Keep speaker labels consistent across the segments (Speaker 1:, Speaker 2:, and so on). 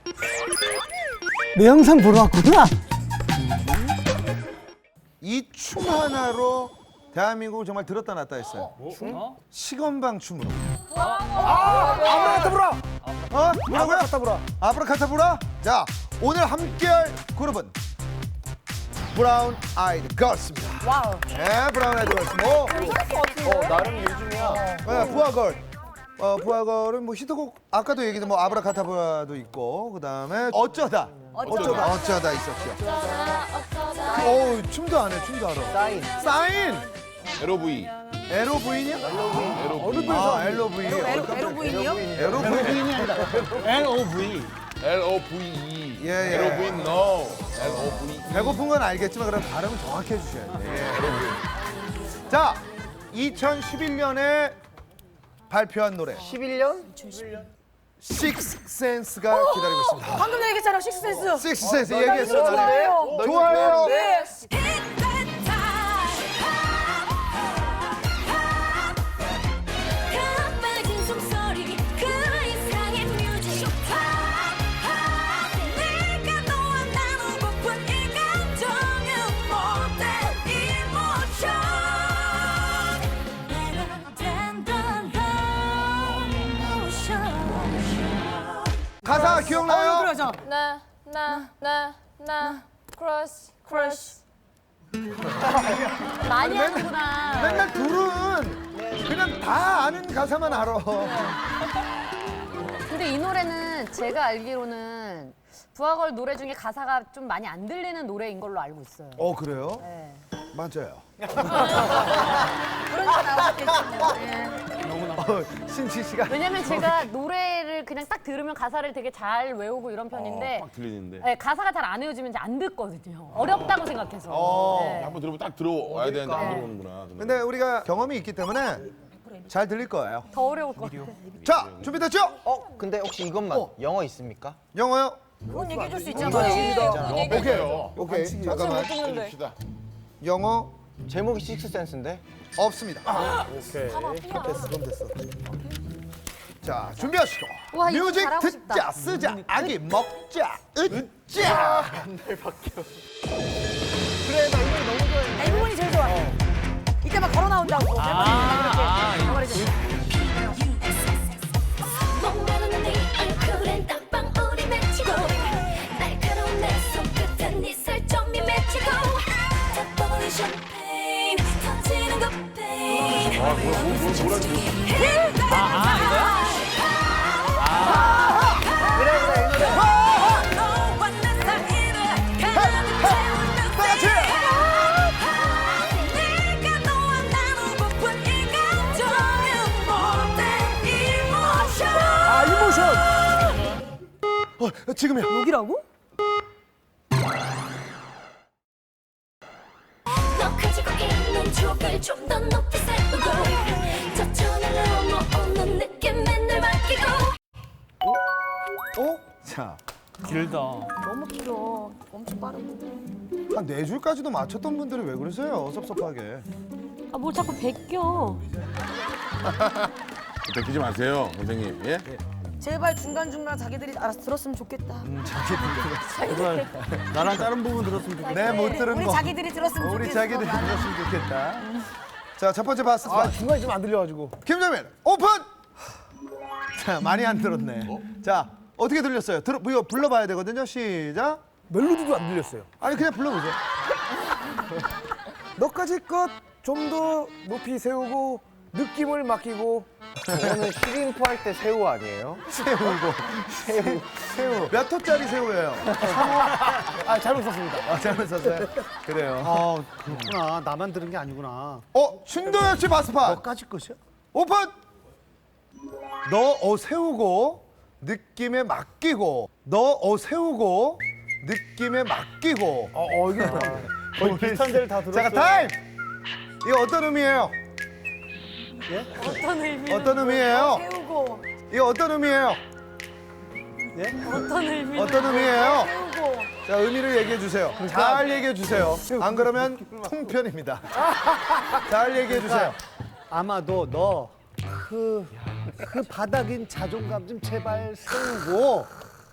Speaker 1: 내 영상 보러 왔구나.
Speaker 2: 이 춤 하나로 대한민국을 정말 들었다 놨다 했어요. 시건방 춤으로.
Speaker 1: 아브라카타브라.
Speaker 2: 어? 뭐라고요?
Speaker 1: 아브라카타브라.
Speaker 2: 아브라카타브라? 자, 오늘 함께할 그룹은 브라운 아이드 걸스입니다.
Speaker 3: 와우.
Speaker 2: 네, 브라운 아이드 걸스.
Speaker 4: 나름 요즘이야.
Speaker 2: 네, 부하걸. 부하걸은 뭐 히트곡 아까도 얘기했던 뭐 아브라카타브라도 있고 그다음에 어쩌다 있었죠. 어우 춤도 안 해, 춤도 알아. 사인.
Speaker 4: LOV.
Speaker 2: LOV냐? LOV.
Speaker 3: 에로부인이요?
Speaker 2: LOV인이 아니라.
Speaker 1: LOV.
Speaker 4: LOVE.
Speaker 2: 예.
Speaker 4: LOV no. LOVE.
Speaker 2: 배고픈 건 알겠지만 그럼 발음은 정확히 해주셔야 돼. 예. 자, 2011년에 발표한 노래
Speaker 5: 11년?
Speaker 2: Six Sense가 기다리고 있습니다.
Speaker 3: 방금 얘기했잖아, 식스센스.
Speaker 2: Six Sense 얘기했어.
Speaker 5: 좋아해요?
Speaker 2: 좋아요.
Speaker 3: 네.
Speaker 2: 가사 기억나요?
Speaker 3: 그러죠.
Speaker 6: 나 크러쉬 많이 하는구나.
Speaker 2: 맨날 둘은 그냥 다 아는 가사만 알아.
Speaker 6: 근데 이 노래는 제가 알기로는 부하걸 노래 중에 가사가 좀 많이 안 들리는 노래인 걸로 알고 있어요.
Speaker 2: 그래요?
Speaker 6: 네.
Speaker 2: 맞아요.
Speaker 6: 그러니까 나오셨겠군요. 네.
Speaker 2: 신치 씨가
Speaker 6: 왜냐면 제가 노래를 그냥 딱 들으면 가사를 되게 잘 외우고 이런 편인데
Speaker 4: 딱 들리는데.
Speaker 6: 네, 가사가 잘 안 외워지면 이제 안 듣거든요. 어렵다고 생각해서. 네.
Speaker 4: 한번 들으면 딱 들어와야 되는데 안 들어오는구나.
Speaker 2: 근데 우리가 경험이 있기 때문에 잘 들릴 거예요.
Speaker 6: 더 어려울 것 같아요.
Speaker 2: 자, 준비됐죠?
Speaker 5: 근데 혹시 이것만 영어 있습니까?
Speaker 2: 영어요?
Speaker 3: 그건 얘기해 줄 수 있잖아요.
Speaker 2: 오케이. 잠깐만.
Speaker 4: 해줍시다.
Speaker 2: 영어
Speaker 5: 제목이 식스센스인데?
Speaker 2: 없습니다. 그럼 됐어. 자, 준비하시고.
Speaker 6: 와, 이거
Speaker 2: 뮤직
Speaker 6: 잘하고
Speaker 2: 듣자,
Speaker 6: 싶다.
Speaker 2: 쓰자, 아기 먹자, 으짜.
Speaker 3: 이 부분이 제일 좋아. 이때 막 걸어 나온다고. 이렇게.
Speaker 7: 목마른 네 얼굴엔 땀방 우리 맺히고 날카로운 내 손끝엔 네 살점이 맺히고 탑버린 샴페인 터지는 것 페인 너와 내 사이를 가득 채우는 네가 너와 나누고픈 이 감정은 모든 이모션
Speaker 2: 이모션. 지금이야.
Speaker 3: 여기라고?
Speaker 7: 너 가지고 있는 추억을 좀 더 높이 세우고 저천을 넘어오는 느낌에 날 맡기고
Speaker 2: 자,
Speaker 1: 길다.
Speaker 3: 너무 길어. 엄청 빠르고.
Speaker 2: 한 네 줄까지도 맞췄던 분들이 왜 그러세요? 섭섭하게.
Speaker 6: 아, 뭘 자꾸 베껴.
Speaker 4: 베끼지 마세요, 선생님. 예?
Speaker 3: 제발 중간중간 자기들이 알아서 들었으면 좋겠다.
Speaker 1: 제발 나랑 다른 부분 들었으면 좋겠다.
Speaker 2: 네, 못 들은
Speaker 3: 우리
Speaker 2: 거.
Speaker 3: 자기들이 들었으면 좋겠어.
Speaker 2: 우리 자기들이
Speaker 3: 나는.
Speaker 2: 들었으면 좋겠다. 자, 첫 번째 바스.
Speaker 1: 중간에 좀 안 들려가지고.
Speaker 2: 김정민 오픈. 자, 많이 안 들었네. 자, 어떻게 들렸어요? 이거 불러봐야 되거든요. 시작.
Speaker 1: 멜로디도 안 들렸어요.
Speaker 2: 아니 그냥 불러보세요.
Speaker 1: 너까지 것 좀 더 높이 세우고 느낌을 맡기고.
Speaker 5: 저거는 시림프 할 때 새우 아니에요?
Speaker 2: 새우. 몇 호짜리 새우예요?
Speaker 1: 아 잘못 썼습니다.
Speaker 2: 잘못 썼어요. 그래요.
Speaker 1: 아 그렇구나. 나만 들은 게 아니구나.
Speaker 2: 신도엽 씨 바스판.
Speaker 1: 너까지 것이야?
Speaker 2: 오픈. 세우고 느낌에 맡기고. 세우고 느낌에 맡기고.
Speaker 1: 이게 거의 비슷한 데를 다 들었어요.
Speaker 2: 잠깐 타임. 이거 어떤 의미예요? 어떤 의미예요?
Speaker 3: 세우고.
Speaker 2: 이거 어떤 의미예요? 어떤 의미예요?
Speaker 3: 세우고.
Speaker 2: 자, 의미를 얘기해 주세요. 잘 얘기해 주세요. 안 그러면 통편입니다. 잘 얘기해 주세요.
Speaker 1: 아마도 너 그 바닥인 자존감 좀 제발 세우고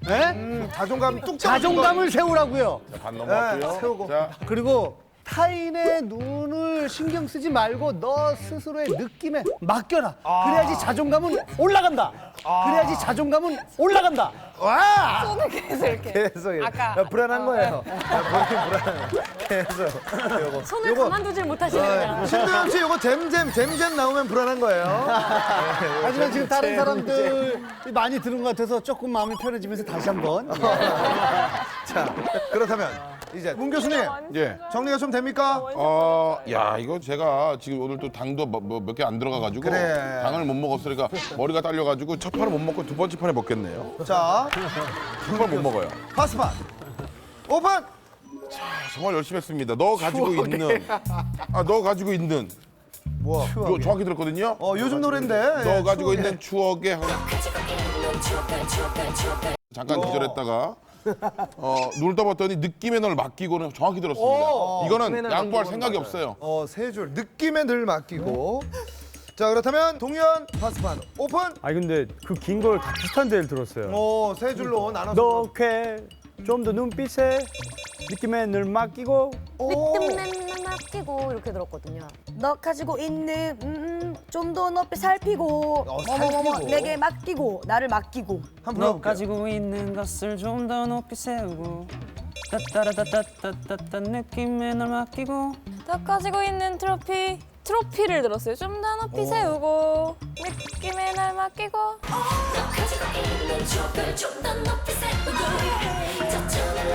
Speaker 2: 자존감 뚝
Speaker 1: 자존감을 세우라고요.
Speaker 4: 자, 반 넘어갔고요.
Speaker 2: 네, 세우고.
Speaker 4: 자,
Speaker 1: 그리고 타인의 눈을 신경 쓰지 말고 너 스스로의 느낌에 맡겨라. 그래야지 자존감은 올라간다. 그래야지 자존감은 올라간다.
Speaker 2: 와!
Speaker 3: 손을 계속 이렇게.
Speaker 2: 계속
Speaker 3: 아까.
Speaker 2: 불안한 거예요. 본인 불안한 거. 계속. 요거.
Speaker 6: 손을 가만두질 못하시네요.
Speaker 2: 신도영 씨 요거 잼잼 나오면 불안한 거예요.
Speaker 1: 하지만 지금 다른 사람들이 많이 들은 것 같아서 조금 마음이 편해지면서 다시 한번.
Speaker 2: 자, 그렇다면 이제 문 교수님
Speaker 4: 예.
Speaker 2: 정리가 좀 됩니까?
Speaker 4: 야, 이거 제가 지금 오늘 또 당도 몇 개 안 들어가가지고
Speaker 2: 그래.
Speaker 4: 당을 못 먹었으니까 머리가 딸려가지고 첫 판을 못 먹고 두 번째 판에 먹겠네요.
Speaker 2: 자,
Speaker 4: 정말 못 먹어요.
Speaker 2: 파스판 오픈.
Speaker 4: 정말 열심히 했습니다. 너 가지고 있는, 너 가지고 있는,
Speaker 2: 뭐야?
Speaker 4: 정확히 들었거든요.
Speaker 2: 요즘 노래인데.
Speaker 4: 너
Speaker 2: 예,
Speaker 4: 가지고
Speaker 2: 추억의-
Speaker 4: 있는 추억에
Speaker 7: 가지고 있는 추억을
Speaker 4: 잠깐 기절했다가 눈을 떠봤더니 느낌에 널 맡기고는 정확히 들었습니다. 이거는 양보할 생각이 없어요.
Speaker 2: 세 줄 느낌에 늘 맡기고. 자, 그렇다면 동현 파스판 오픈.
Speaker 8: 아니 근데 그 긴 걸 다 비슷한 데를 들었어요.
Speaker 2: 세 줄로 나눠서.
Speaker 8: 너게 좀 더 눈빛에 느낌에 늘 맡기고
Speaker 6: 느낌만 맡기고 이렇게 들었거든요.
Speaker 3: 너 가지고 있는 좀 더 높이 살피고
Speaker 2: 살피고.
Speaker 3: 내게 맡기고 나를 맡기고
Speaker 2: 한번
Speaker 9: 너
Speaker 2: 불러볼게요.
Speaker 9: 가지고 있는 것을 좀 더 높이 세우고 따따라따따따따따 느낌에 널 맡기고
Speaker 10: 너 가지고 있는 트로피를 들었어요. 좀 더 높이 세우고 느낌에 날 맡기고
Speaker 7: 너 가지고 있는 추억을 좀 더 높이 세우고 저천을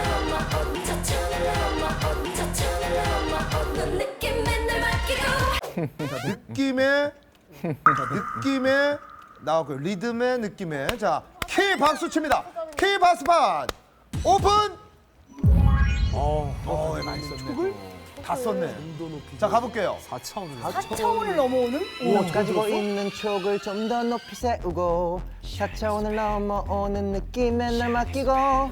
Speaker 7: 넘어 저천을 넘어 오는 느낌에 날 맡기고
Speaker 2: 느낌에 나왔고요. 리듬의 느낌에. 자, 키 박수 칩니다. 키 파스판 오픈. 많이 썼네. 촉을 다 썼네. 자, 가볼게요.
Speaker 3: 4차원을 넘어오는
Speaker 5: 너 가지고 있는 추억을 좀 더 높이 세우고 4차원을 넘어오는 느낌에 날 맡기고.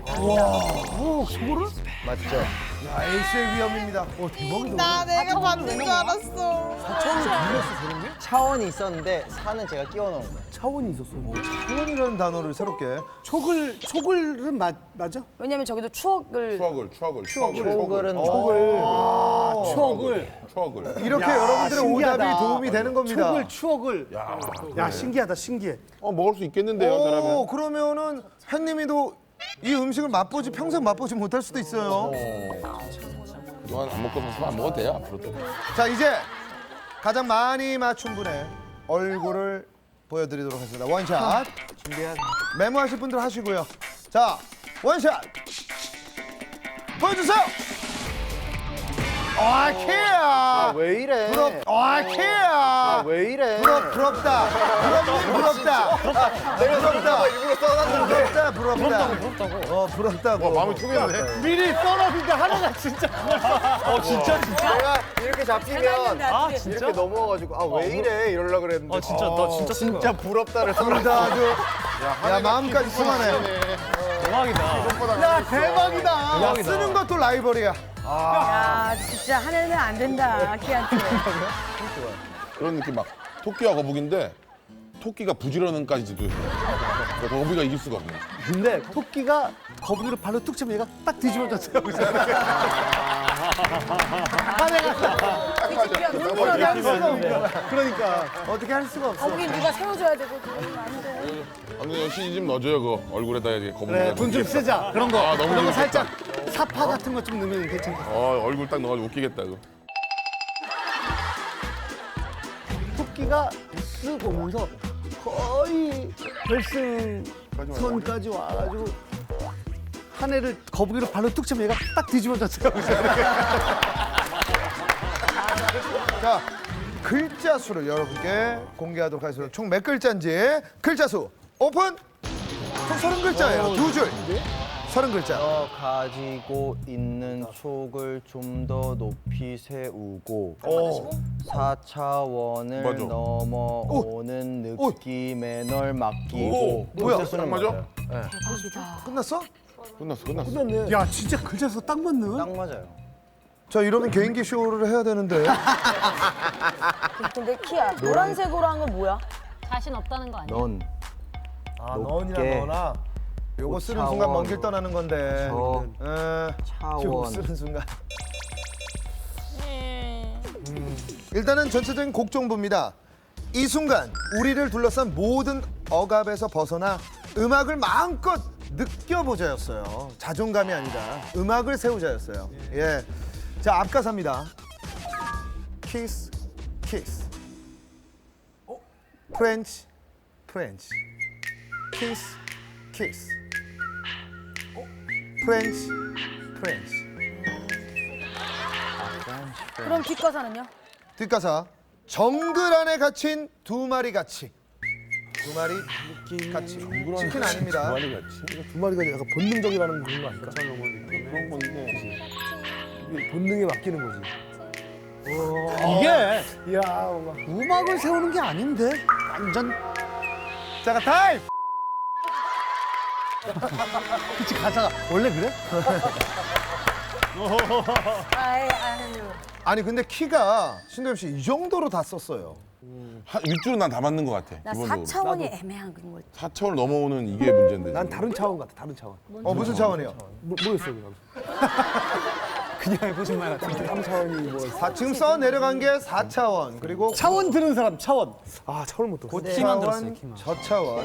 Speaker 5: 맞죠?
Speaker 2: 야, 에이스의 위험입니다. 대박이다.
Speaker 3: 내가 받는 줄 알았어
Speaker 5: 차원이 있었는데 사는 제가 끼워 넣은 거예요.
Speaker 1: 차원이 있었어.
Speaker 2: 차원이라는 단어를 새롭게.
Speaker 1: 촉을은 맞아?
Speaker 3: 왜냐면 저기도 추억을
Speaker 5: 추억을은
Speaker 4: 추억을.
Speaker 2: 이렇게
Speaker 1: 야,
Speaker 2: 여러분들의
Speaker 1: 신기하다.
Speaker 2: 오답이 도움이 되는 겁니다.
Speaker 1: 추억을. 야 신기하다 신기해.
Speaker 4: 먹을 수 있겠는데요, 저라면.
Speaker 2: 그러면은 햇님이도 이 음식을 맛보지 평생 맛보지 못할 수도 있어요.
Speaker 4: 이건 안 먹고 사서 안 먹어도 돼요, 앞으로도.
Speaker 2: 자, 이제 가장 많이 맞춘 분의 얼굴을 보여드리도록 하겠습니다. 원샷. 메모하실 분들 하시고요. 자, 원샷. 보여주세요. 키야.
Speaker 5: 왜 이래?
Speaker 2: 키야.
Speaker 5: 왜 이래?
Speaker 2: 부럽다. 부럽다. 부럽다. 부럽다고.
Speaker 4: 마음이 통했네.
Speaker 1: 미리 써놨는데 하나가 진짜.
Speaker 5: 내가 이렇게 잡히면
Speaker 3: 이렇게
Speaker 5: 이렇게 넘어와가지고 왜 이래 이러려고 그랬는데
Speaker 9: 진짜 나 진짜
Speaker 5: 진짜 부럽다를
Speaker 2: 둘다 아주. 야, 마음까지 통하네. 야, 대박이다. 야, 쓰는 것도 라이벌이야.
Speaker 3: 야 진짜 하늘은 안 된다 키한테
Speaker 4: 그런 느낌 막 토끼와 거북인데 토끼가 부지런은까지도 해요. 그러니까 거북이가 이길 수가 없네.
Speaker 1: 근데 토끼가 거북이를 발로 툭 치면 얘가 딱 뒤집어졌어요. 어떻게 할 수가 없네. 그러니까 어떻게 할 수가 없어.
Speaker 3: 거기 누가 세워줘야 되거든 안돼
Speaker 4: 아무튼 CG 좀 넣어줘요, 그 얼굴에다 이제 거북이가.
Speaker 1: 그래 돈 좀 쓰자. 그런 거.
Speaker 4: 아, 너무
Speaker 1: 그런 거
Speaker 4: 재밌겠다.
Speaker 1: 살짝 사파 같은 거 좀 넣으면 괜찮아.
Speaker 4: 얼굴 딱 넣어가지고 웃기겠다, 그거.
Speaker 1: 토끼가 쓱 오면서 거의 결승선까지 와가지고 한 애를 거북이로 발로 툭 치면 얘가 딱 뒤집어졌어요.
Speaker 2: 자, 글자 수를 여러분께 공개하도록 하겠습니다. 총 몇 글자인지 글자 수 오픈. 총 30글자예요. 두 줄. 30글자.
Speaker 5: 너 가지고 있는 촉을 좀 더 높이 세우고 4차원을
Speaker 4: 맞아.
Speaker 5: 넘어오는 느낌에 널 맡기고
Speaker 2: 뭐야?
Speaker 5: 수는
Speaker 4: 맞아?
Speaker 5: 맞아요.
Speaker 2: 끝났어?
Speaker 4: 끝났어.
Speaker 1: 야 진짜 글자 수 딱 맞는.
Speaker 5: 딱 맞아요.
Speaker 2: 자, 이러면 개인기 쇼를 해야 되는데.
Speaker 3: 근데 키야 노란색으로 한 건 뭐야?
Speaker 6: 자신 없다는 거 아니야?
Speaker 5: 넌
Speaker 2: 아,
Speaker 5: 높게.
Speaker 2: 너나. 요거 쓰는 순간 먼 길 떠나는 건데. 요거
Speaker 5: 차원.
Speaker 2: 쓰는 순간. 일단은 전체적인 곡 정보입니다. 이 순간 우리를 둘러싼 모든 억압에서 벗어나 음악을 마음껏 느껴보자였어요. 자존감이 아니다. 음악을 세우자였어요. 예. 자, 앞가사입니다. 키스, 키스. 프렌치, 프렌치. 키스, 키스. 프렌치, 프렌치.
Speaker 3: 그럼 뒷가사는요?
Speaker 2: 뒷가사. 정글 안에 갇힌 두 마리 가치. 두 마리 가치. 치킨 아닙니다.
Speaker 1: 두 마리가 약간 본능적이라는 그런 거 아닐까?
Speaker 4: 그런 건데.
Speaker 1: 본능에 맡기는 거지. 이게 음악을 세우는 게 아닌데 완전
Speaker 2: 자가 타임.
Speaker 1: 그치 가사가 원래 그래?
Speaker 2: 아니 근데 키가 신도엽 씨 이 정도로 다 썼어요.
Speaker 4: 윗줄은 난 다 맞는 것 같아.
Speaker 3: 나
Speaker 4: 기본적으로.
Speaker 3: 4차원이 애매한 그런 거.
Speaker 4: 4차원을 넘어오는 이게 문제인데.
Speaker 1: 난 다른 차원 같아 다른 차원.
Speaker 2: 무슨 차원이요?
Speaker 1: 모르겠어요 그냥. 그냥 해보신 말 같은데. 3차원이 뭐.
Speaker 2: 지금 써 내려간 게 4차원 그리고
Speaker 1: 차원 들은 사람 차원. 아 차원 못 들었어.
Speaker 2: 고차원, 저차원,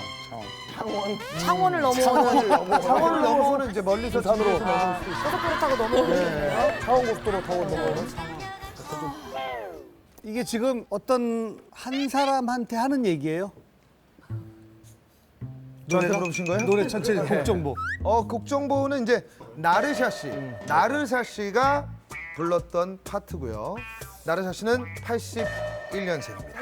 Speaker 3: 창원을 넘어오는
Speaker 2: 차원을 넘어오는 이제 멀리서 산으로
Speaker 3: 고속도로 타고 넘어오는
Speaker 1: 차원 고속도로 타고 넘어오는. 이게 지금 어떤 한 사람한테 하는 얘기예요?
Speaker 2: 저한테 물어보신 거예요?
Speaker 1: 노래 전체 곡 정보.
Speaker 2: 곡 정보는 이제 나르샤 씨, 나르샤 씨가 불렀던 파트고요. 나르샤 씨는 81년생입니다.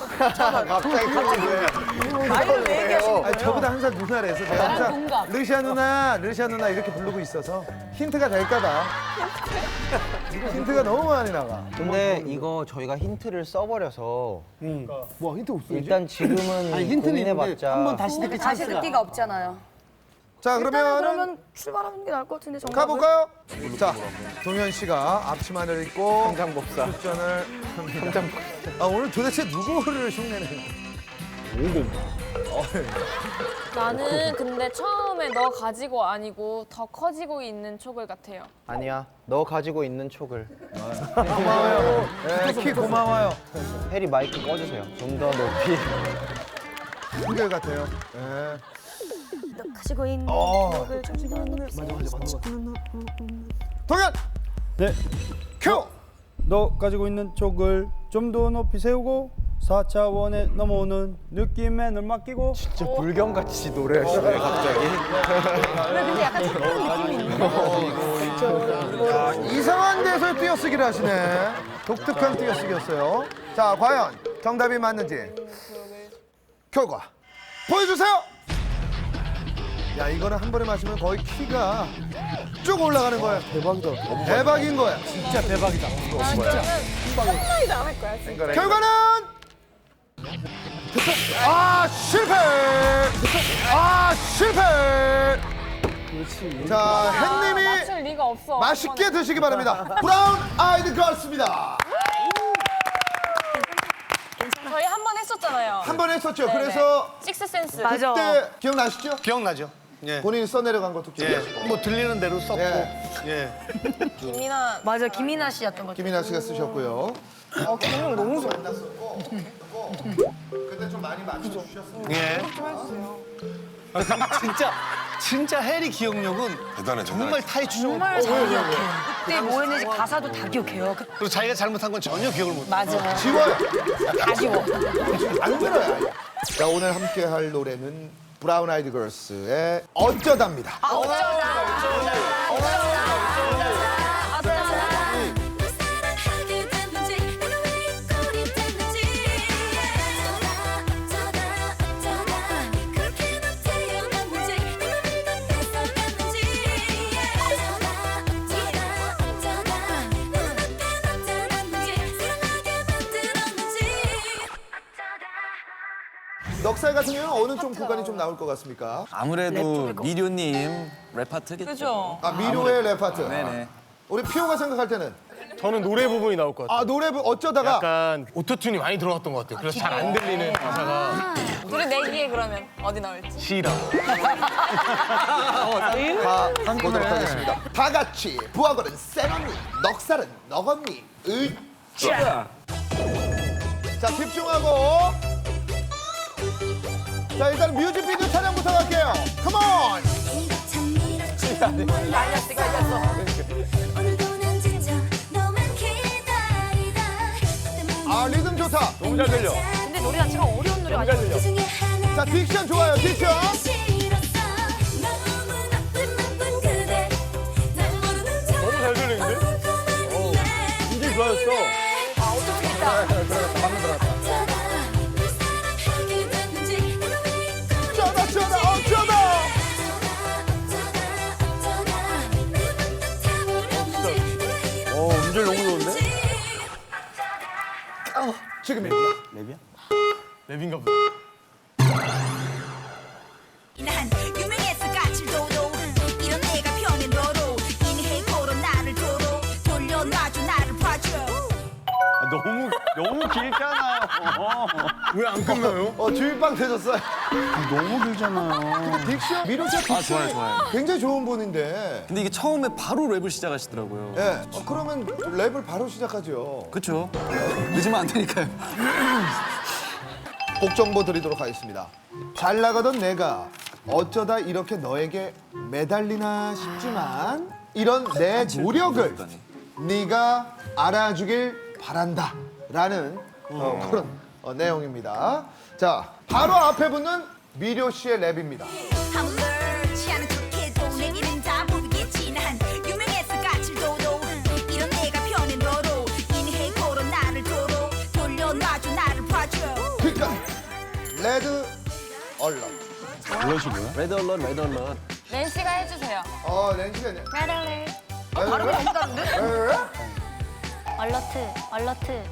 Speaker 3: 나이를 왜 얘기하시는
Speaker 2: 아니, 저보다 한 살 누나래서 제가 항상 르샤 누나, 르샤 누나 이렇게 부르고 있어서 힌트가 될까봐. 힌트가 너무 많이 나가.
Speaker 5: 근데 이거 저희가 힌트를 써버려서
Speaker 1: 뭐 힌트 없어.
Speaker 5: 일단 지금은
Speaker 1: 아니 힌트는 있는데
Speaker 5: 고민해봤자
Speaker 1: 한번 다시 듣기
Speaker 3: 다시
Speaker 1: 찬스가.
Speaker 3: 듣기가 없잖아요.
Speaker 2: 자 그러면
Speaker 3: 그러면 출발하는 게 나을 것 같은데 정답을.
Speaker 2: 가볼까요? 자, 동현 씨가 앞치마를 입고
Speaker 5: 삼장법사.
Speaker 2: 출전을 합니다. 오늘 도대체 누구를 흉내내는
Speaker 10: 나는 근데 처음에 너 가지고 아니고 더 커지고 있는 촉을 같아요.
Speaker 5: 아니야 너 가지고 있는 촉을
Speaker 2: 고마워요. 네, 키 고마워요.
Speaker 5: 해리 마이크 꺼주세요 좀 더 높이
Speaker 2: 한결 같아요. 네.
Speaker 3: 너 가지고 있는 기억을 좀더
Speaker 2: 동현
Speaker 8: 네.
Speaker 2: 큐.
Speaker 8: 너 가지고 있는 촉을 좀 더 높이 세우고 4차원에 넘어오는 느낌에 널 맡기고.
Speaker 5: 진짜 불경같이 노래하시네 갑자기
Speaker 3: 근데 약간 착한 느낌이 있네.
Speaker 2: 이상한 데서 띄어쓰기를 하시네. 독특한 띄어쓰기였어요. 자, 과연 정답이 맞는지 결과 보여주세요. 야, 이거는 한 번에 맞추면 거의 키가 쭉 올라가는 거야. 대박이다. 대박인 거야.
Speaker 1: 진짜 대박이다.
Speaker 10: 한마디도 안 할 거야. 진짜.
Speaker 2: 결과는 실패. 실패. 자, 햇님이
Speaker 10: 맞출 리가 없어.
Speaker 2: 맛있게 드시기 바랍니다. 브라운 아이드 걸스입니다.
Speaker 10: 저희 한 번 했었잖아요.
Speaker 2: 한 번 했었죠.
Speaker 10: 네네.
Speaker 2: 그래서
Speaker 10: 식스센스.
Speaker 3: 맞아.
Speaker 2: 그때 기억나시죠?
Speaker 1: 기억나죠? 예.
Speaker 2: 본인이 써내려간 것도 기억나시고.
Speaker 1: 뭐 들리는 대로 썼고.
Speaker 2: 예.
Speaker 10: 김이나
Speaker 3: 맞아 김이나 씨였던 것.
Speaker 2: 김이나 씨가 쓰셨고요.
Speaker 10: 기능 너무 좋아.
Speaker 2: 그때 좀 많이 맞춰주셨어요.
Speaker 1: 예. 진짜 해리 기억력은
Speaker 4: 대단해.
Speaker 1: 정말 타이추적.
Speaker 3: 정말 잘 기억해. 그때 뭐 했는지 가사도 다 기억해요.
Speaker 1: 그리고 자기가 잘못한 건 전혀 기억을 못 해.
Speaker 3: 맞아.
Speaker 2: 지워요.
Speaker 3: 다 지워.
Speaker 2: 안 들어요. 아예. 자, 오늘 함께 할 노래는 브라운 아이드 걸스의 어쩌다입니다.
Speaker 7: 사랑하게 됐는지 내가 왜 이 꼴이 됐는지 어쩌다 그렇게 너 태어났는지 내 맘을 넌 뺏어갔는지 어쩌다 눈앞에 나타났는지 사랑하게 만들었는지
Speaker 2: 넉살 같은 경우는 어느 좀 구간이 좀 나올 것 같습니까?
Speaker 11: 아무래도 미료님 랩 파트겠죠.
Speaker 10: 그죠?
Speaker 2: 미료의 랩 파트.
Speaker 11: 네네.
Speaker 2: 우리 피오가 생각할 때는
Speaker 1: 저는 노래 부분이 나올 것 같아요.
Speaker 2: 노래 어쩌다가
Speaker 1: 약간 오토튠이 많이 들어갔던 것 같아요. 그래서 잘 안 들리는 가사가.
Speaker 10: 둘이 내기에 그러면 어디 나올지.
Speaker 1: 싫어.
Speaker 2: 다 보도록 하겠습니다. 다 같이 부하걸은 센 언니, 넉살은 넉 언니. 으쌰. 자, 집중하고. 자, 일단 뮤직비디오 촬영부터 갈게요. 컴온.
Speaker 7: 오늘도 난 진짜 너만 기다리다.
Speaker 2: 아, 리듬 좋다.
Speaker 3: 너무 잘 들려. 근데 노래 자체가 어려운 노래 아니야?
Speaker 2: 자, 딕션 좋아요, 딕션.
Speaker 7: 너무 잘 들리는데?
Speaker 8: 굉장히 좋아졌어.
Speaker 3: 아, 어떡하겠다.
Speaker 2: 방금 들어갔다. 쩌다, 쩌다, 쩌다.
Speaker 8: 음질 너무 좋은데?
Speaker 2: 지금 랩이야?
Speaker 8: 랩이야?
Speaker 1: 랩인가 보다.
Speaker 7: 난 유명해서 까칠도도 이런 내가 편해 너로 인해고로 나를 도로 돌려놔줘 나를 봐줘.
Speaker 8: 너무 길잖아요.
Speaker 1: 왜 안 끝나요?
Speaker 2: 주인빵 되셨어요.
Speaker 8: 너무 길잖아요.
Speaker 2: 딕션, 미로 씨 딕션
Speaker 11: 좋아요.
Speaker 2: 굉장히 좋은 분인데.
Speaker 11: 근데 이게 처음에 바로 랩을 시작하시더라고요.
Speaker 2: 예. 그러면 랩을 바로 시작하죠.
Speaker 11: 그렇죠. 늦으면 안 되니까요.
Speaker 2: 곡 정보 드리도록 하겠습니다. 잘 나가던 내가 어쩌다 이렇게 너에게 매달리나 싶지만 이런 내 노력을 네가 알아주길 바란다 라는 그런 내용입니다. 자, 바로 앞에 붙는 미료 씨의 랩입니다.
Speaker 7: 아무렇지 않은 척해도 내 이름 다 모르겠지. 난 유명해서 까칠도도 이런 내가 편해 너로 인해고로 나를 도로 돌려놔줘 나를 봐줘.
Speaker 2: 그러니까 레드 얼럿.
Speaker 8: 그것이 뭐야?
Speaker 11: 레드 얼럿, 레드 얼럿.
Speaker 10: 낸시가 해주세요.
Speaker 2: 렌시가
Speaker 6: 메달리.
Speaker 3: 발음이 너무 다른데?
Speaker 6: 얼러트. 얼러트.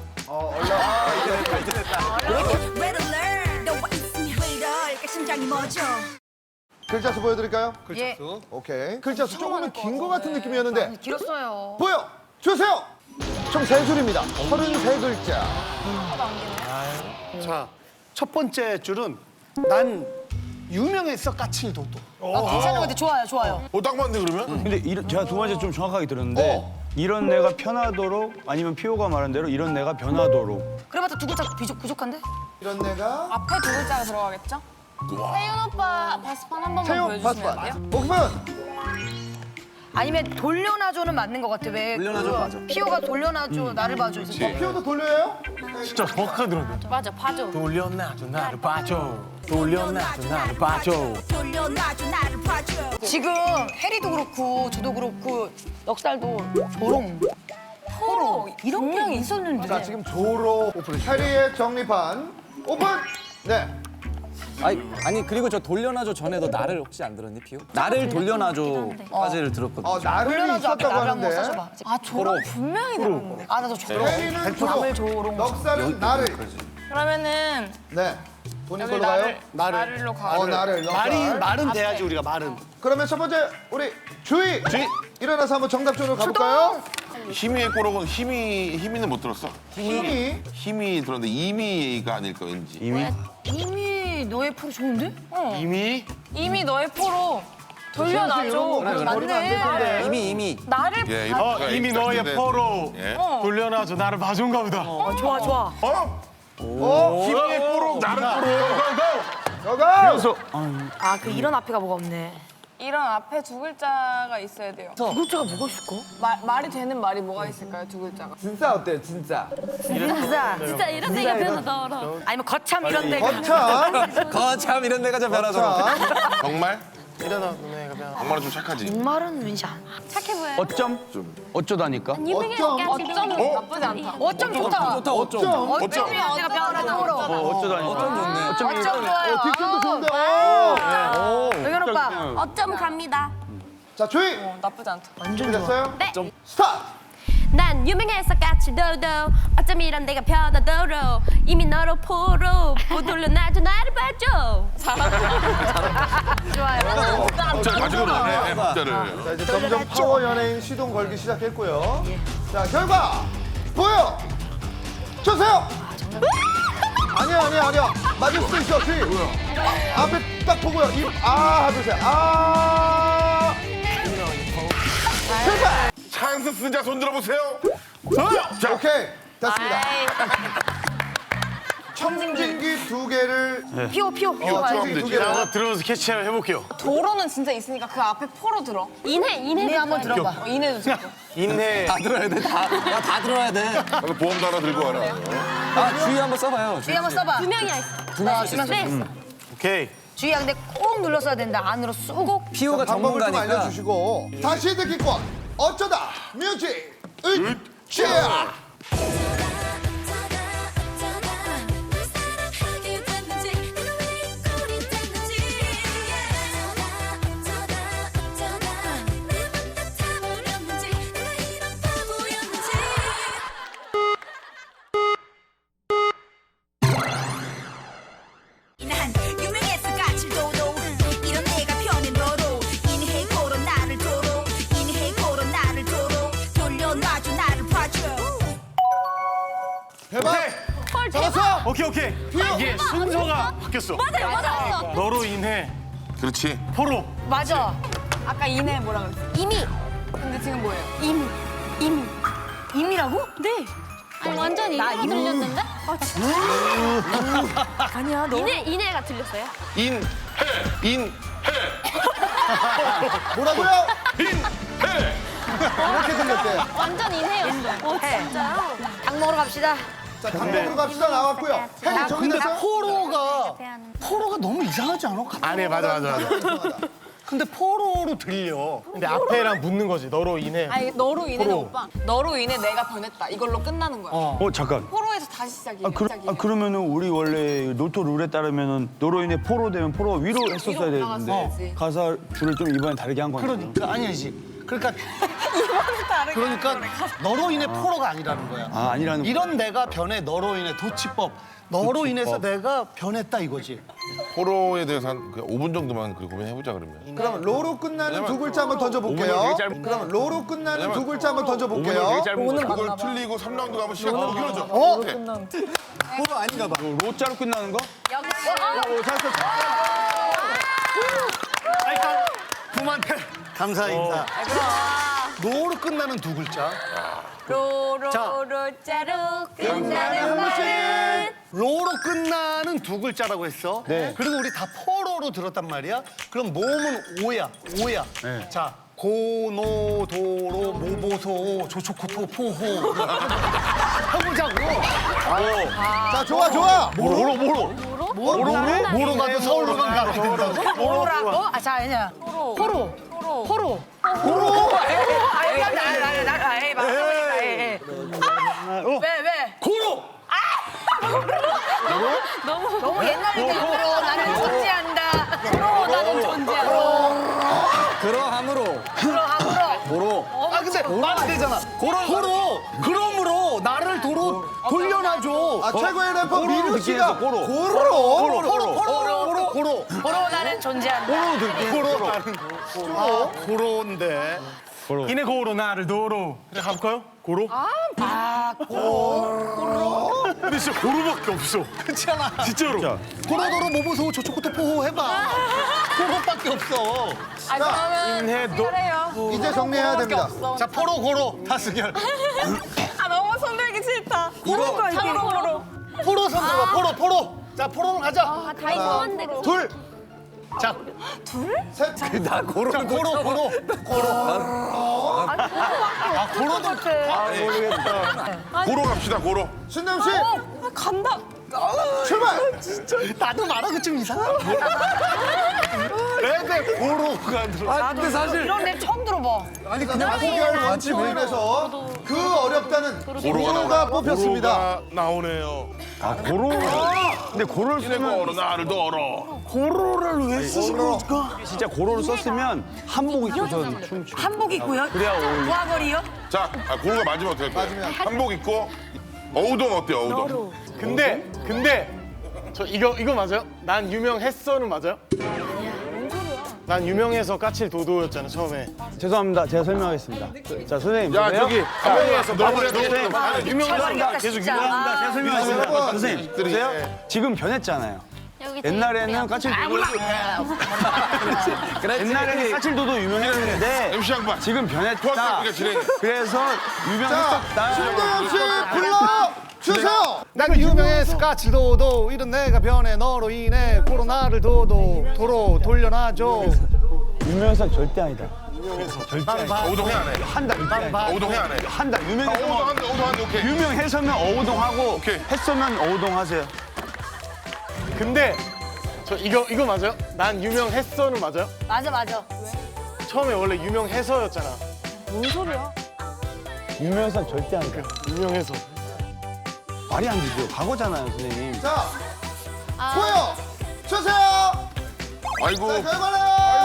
Speaker 7: Red alert 너와 있으면 왜 이럴까 심장이 멎어.
Speaker 2: 글자 수 보여드릴까요?
Speaker 3: 예.
Speaker 2: 오케이. 글자 수 조금은 긴 것 같은 느낌이었는데
Speaker 3: 길었어요.
Speaker 2: 보여 주세요. 총 3줄입니다. 33글자.
Speaker 1: 자, 첫 번째 줄은 난 유명했어 까칠도도.
Speaker 3: 괜찮은 것 같아. 좋아요, 좋아요.
Speaker 4: 딱 맞네 그러면?
Speaker 8: 근데 제가 두 번째 좀 정확하게 들었는데 이런 내가 편하도록 아니면 피오가 말한 대로 이런 내가 변하도록.
Speaker 3: 그래봤자 두 글자 부족한데?
Speaker 2: 이런 내가
Speaker 10: 앞에 두 글자가 들어가겠죠? 세윤 오빠 바스판 한 번만
Speaker 2: 태용
Speaker 10: 보여주시면 안 돼요?
Speaker 2: 바스판. 오픈.
Speaker 3: 아니면 돌려놔줘는 맞는 것 같아. 왜?
Speaker 11: 돌려놔줘 맞아.
Speaker 3: 피오가 돌려놔줘, 나를 봐줘. 있었어.
Speaker 2: 피오도 돌려요?
Speaker 1: 진짜 정확하게 들었네.
Speaker 10: 맞아, 봐줘.
Speaker 1: 돌려놔줘 나를 봐줘. 돌려놔줘 나를 봐줘.
Speaker 7: 돌려놔줘 나를 봐줘.
Speaker 3: 지금 해리도 그렇고 저도 그렇고 넉살도 조롱,
Speaker 10: 포로
Speaker 3: 이런 게 있었는데.
Speaker 2: 자, 지금 조로 오픈. 해리의 정리판 오픈. 네.
Speaker 11: 아니 그리고 저 돌려놔줘 전에도 나를 혹시 안 들었니 피오? 나를 돌려놔줘까지를 들었거든요.
Speaker 2: 나를
Speaker 3: 돌려놔줘 앞에
Speaker 2: 있었다고
Speaker 3: 나를 한번
Speaker 2: 하는데
Speaker 3: 써줘봐.
Speaker 10: 아, 조롱 분명히 들었는데.
Speaker 3: 아 나도 조롱.
Speaker 2: 해리는
Speaker 3: 남을
Speaker 2: 조로,
Speaker 3: 조롱.
Speaker 2: 넉살은 나를.
Speaker 10: 그러면은
Speaker 2: 네. 본인
Speaker 10: 여기
Speaker 2: 걸로 가요?
Speaker 10: 나를로 가.
Speaker 2: 나를. 넉살.
Speaker 1: 말은 돼야지 우리가 말은.
Speaker 2: 그러면 첫 번째 우리 주희. 일어나서 한번 정답전으로 가볼까요?
Speaker 4: 힘이의 꼬록은 힘이는 못 들었어.
Speaker 2: 힘이
Speaker 4: 들었는데 이미가 아닐까 왠지.
Speaker 3: 이미 너의 프로 좋은데?
Speaker 10: 이미 너의 포로 돌려놔줘.
Speaker 3: 맞네.
Speaker 11: 이미
Speaker 10: 나를
Speaker 4: 예,
Speaker 10: 봐.
Speaker 1: 이미 너의 포로
Speaker 4: 예.
Speaker 1: 돌려놔줘 나를 봐준가 보다.
Speaker 3: 좋아 좋아.
Speaker 4: 힘이의 꼬록 나를
Speaker 2: 너가.
Speaker 3: 아 그 이런 앞에가 뭐가 없네.
Speaker 10: 이런 앞에 두 글자가 있어야 돼요.
Speaker 3: 두 글자가 뭐가 있을까?
Speaker 10: 말이 되는 말이 뭐가 있을까요, 두 글자가?
Speaker 5: 진짜 어때요, 진짜?
Speaker 6: 진짜 이런 데가 변하더라.
Speaker 3: 아니면 거참 이런 데가.
Speaker 2: 거참.
Speaker 11: 거참 이런 데가 좀 변하더라.
Speaker 4: 정말? 정말은 좀 착하지.
Speaker 3: 말은 왠지 안.
Speaker 6: 착해 보여.
Speaker 8: 어쩜? 어쩌다니까?
Speaker 10: 어쩜 나쁘지 않다.
Speaker 3: 어쩜 좋다. 어쩜이 내가 변하다.
Speaker 8: 어쩌다니까?
Speaker 3: 어쩜 좋아요.
Speaker 2: 딕션도 좋은데.
Speaker 3: 여경 오빠.
Speaker 6: 어쩜 갑니다.
Speaker 2: 자, 주희.
Speaker 10: 나쁘지 않다.
Speaker 2: 준비됐어요?
Speaker 6: 네.
Speaker 2: 스타트.
Speaker 6: 난 유명해서 까칠도도 어쩜 이런 데가 편하도록 이미 너로 포로 못 돌려놔줘 나를 봐줘. 좋아요.
Speaker 4: 박자를 가지고 노네, 박자를.
Speaker 2: 자, 이제 점점 파워 연예인 시동 걸기 시작했고요. 자, 결과 보여 주세요. 아니야. 맞을 수도 있어. 주의. 앞에 딱 보고요. 하면서
Speaker 4: 찬스 쓰자 손 들어보세요.
Speaker 2: 자, 오케이. 됐습니다. 청진기 2개를
Speaker 3: 피오.
Speaker 2: 청진기 2개를
Speaker 8: 들어서 캐치를 해볼게요.
Speaker 10: 도로는 진짜 있으니까 그 앞에 포로 들어.
Speaker 3: 인해 한번 들어봐.
Speaker 10: 이내도 들어.
Speaker 8: 인해.
Speaker 11: 다 들어야 돼. 다 들어야 돼.
Speaker 4: 나도 보험도 하나 들고 와라.
Speaker 11: 주의 한번 써봐요.
Speaker 3: 주희 한번 써봐.
Speaker 6: 두 명이 있어.
Speaker 11: 두 명 할 수 있어.
Speaker 6: 네.
Speaker 8: 오케이.
Speaker 3: 주희야 근데 꼭 눌렀어야 된다. 안으로 쑥.
Speaker 11: 피오가
Speaker 2: 방법을 좀
Speaker 11: 전문가니까.
Speaker 2: 알려주시고 다시 듣기권 어쩌다 뮤직 으쌰
Speaker 7: 난 유명해서 까칠도도 이런 내가 편한 너로 인해 고로 나를 도로 인해 고로 나를 도로 돌려놔줘 나를 봐줘
Speaker 2: 대박
Speaker 6: 헐
Speaker 2: 잡았어
Speaker 6: 대박.
Speaker 8: 오케이. 이게 순서가 바뀌었어.
Speaker 6: 맞아.
Speaker 8: 너로 인해
Speaker 4: 그렇지.
Speaker 8: 포로.
Speaker 3: 맞아.
Speaker 10: 아까 이내 뭐라 그랬어?
Speaker 6: 이미.
Speaker 10: 근데 지금 뭐예요?
Speaker 6: 이미.
Speaker 3: 임이라고?
Speaker 6: 네. 아니, 완전 이내가 들렸는데?
Speaker 3: 아니야 너.
Speaker 6: 이내가 들렸어요?
Speaker 2: 뭐라고요?
Speaker 4: 인해.
Speaker 2: 이렇게 들렸대
Speaker 6: 완전 이내였어. 진짜요?
Speaker 3: 닭 먹으러 갑시다.
Speaker 2: 자 방법으로 갑시다 나왔고요 헤이 정리됐어요?
Speaker 1: 포로가 너무 이상하지 않아?
Speaker 8: 아네 맞아.
Speaker 1: 근데 포로로 들려.
Speaker 8: 근데 앞에랑 붙는 거지. 너로 인해.
Speaker 10: 아니 너로 인해는
Speaker 8: 포로.
Speaker 10: 오빠. 너로 인해 내가 변했다. 이걸로 끝나는 거야.
Speaker 8: 잠깐.
Speaker 10: 포로에서 다시 시작이야.
Speaker 8: 그러면은 우리 원래 로또 룰에 따르면은 너로 인해 포로 되면 포로가 위로 했었어야 되는데
Speaker 10: 올라갔어야지.
Speaker 8: 가사를 좀 이번엔 다르게 한 거야.
Speaker 1: 그러니까 아니지. 그러니까 너로 인해 포로가 아니라는 거야.
Speaker 8: 아니라는
Speaker 1: 이런 내가 변해 너로 인해 도치법. 너로 인해서 내가 변했다 이거지.
Speaker 4: 포로에 대해서 한 5분 정도만 고민해보자 그러면.
Speaker 2: 그럼 로로 끝나는 두 글자 한번 던져볼게요
Speaker 8: 오분은 되게 짧은
Speaker 2: 그럼 로로 끝나는 두 글자 한번 던져볼게요
Speaker 4: 그걸 틀리고 3라운드 가면 시간 길어져.
Speaker 11: 포로 아닌가 봐.
Speaker 8: 로자로 끝나는 거?
Speaker 1: 부모한테 감사 인사. 로로 끝나는 두 글자.
Speaker 6: 로로로자로 끝나는 말은
Speaker 1: 로로 끝나는 두 글자라고 했어. 그리고 우리 다 포로로 들었단 말이야. 그럼 모음은 오야. 자, 고노도로 모보소 조초코토 포호. 해보자고.
Speaker 2: 자 좋아
Speaker 1: 모로 가도 서울로 가도 된다고?
Speaker 3: 포로라고? 자 아니야. 포로. 왜?
Speaker 1: 고로.
Speaker 3: 너무 옛날 얘기야. 포로 나는 존재한다. 포로 나는 존재한다.
Speaker 11: 그러함으로. 도로.
Speaker 1: 아 근데 말안 되잖아. 고로. 그러므로 나를 돌려놔줘.
Speaker 2: 최고의 래퍼 민우 씨가 고로
Speaker 3: 포로 나는 존재한다.
Speaker 1: 고로인데.
Speaker 8: 인해 고로 나를 도로. 그래 가볼까요? 고로?
Speaker 3: 고로.
Speaker 8: 근데 진짜 고로밖에 없어.
Speaker 1: 그렇잖아.
Speaker 8: 진짜로.
Speaker 1: 고로도로 모보소 조초코토 포호 해봐. 그것밖에 없어.
Speaker 10: 그러면
Speaker 8: 인해 도.
Speaker 10: 잘해요.
Speaker 2: 이제 정리해야 됩니다
Speaker 1: 자 고로 다스결.
Speaker 10: 너무 손들기 싫다.
Speaker 11: 이거
Speaker 10: 참고로.
Speaker 1: 포로 손 들어봐. 포로. 자 포로로 가자.
Speaker 6: 다 이상한데.
Speaker 2: 둘
Speaker 1: 자
Speaker 2: 셋.
Speaker 11: 나 고로.
Speaker 1: 고로. 고로도
Speaker 4: 고로 갑시다 고로.
Speaker 2: 신남 씨
Speaker 10: 간다.
Speaker 2: 출발
Speaker 1: 나도 말하고 좀 이상하다. 왜 고로가 들어?
Speaker 11: 근데 사실
Speaker 3: 이런 랩 처음 들어봐.
Speaker 2: 아니 그냥 소개할 원칙에서 그 어렵다는 고로가 뽑혔습니다
Speaker 4: 고로가 나오네요.
Speaker 8: 고로. 근데 고로를
Speaker 4: 인해
Speaker 8: 쓰면
Speaker 4: 고로 나를 도로.
Speaker 8: 고로를 왜 쓰신 걸까? 진짜 고로를 썼으면 한복 입고서 춤추.
Speaker 3: 한복 입고요?
Speaker 8: 그래야 어울려.
Speaker 3: 부하거리요?
Speaker 4: 자, 고로가 맞으면 어떨 거야? 한복 입고 어우동 어때요? 어우동.
Speaker 8: 근데 저 이거 맞아요? 난 유명했어는 맞아요?
Speaker 12: 난 유명해서 까칠 도도였잖아 처음에.
Speaker 8: 죄송합니다. 제가 설명하겠습니다. 자, 선생님.
Speaker 4: 야
Speaker 8: 보세요.
Speaker 4: 저기 유명해서
Speaker 12: 유명하다. 계속 유명하다.
Speaker 8: 제가 설명하겠습니다. 선생님, 보세요. 지금 변했잖아요. 옛날에는 까칠도도 옛날에는 까칠도도 유명했는데
Speaker 4: MC 양반
Speaker 8: 지금 변했다.
Speaker 4: 토학교가 진행해.
Speaker 8: 그래서 유명했었다.
Speaker 2: 김동현 씨 불러 주세요.
Speaker 1: 난 유명해서 까칠도도 이런 내가 변해 너로 인해 코로나를 도로 돌려놔줘.
Speaker 8: 유명해서 절대 아니다.
Speaker 4: 오동해 안 해.
Speaker 8: 한다.
Speaker 4: 오동해 안 해.
Speaker 8: 한다. 유명해서
Speaker 4: 오동한데 오케이.
Speaker 8: 유명해서면 어우동하고
Speaker 4: 오케이.
Speaker 8: 했으면 어우동하세요.
Speaker 12: 근데 저 이거 맞아요? 난 유명했어는 맞아요?
Speaker 3: 맞아.
Speaker 12: 처음에 원래 유명해서였잖아.
Speaker 3: 뭔 소리야?
Speaker 8: 유명해서 절대 아니다.
Speaker 12: 유명해서.
Speaker 8: 말이 안 되죠. 과거잖아요, 선생님.
Speaker 2: 자 보여 주세요.
Speaker 4: 아이고.
Speaker 2: 자 결과는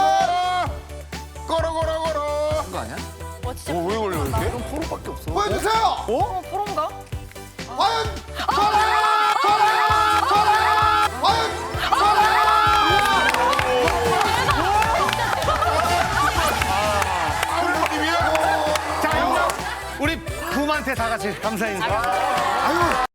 Speaker 4: 걸어.
Speaker 11: 그거 아니야?
Speaker 4: 왜 걸려 이렇게?
Speaker 2: 보여주세요.
Speaker 3: 포로인가?
Speaker 2: 과연 과연
Speaker 1: 자, 우리 부모한테 다 같이 감사 인사.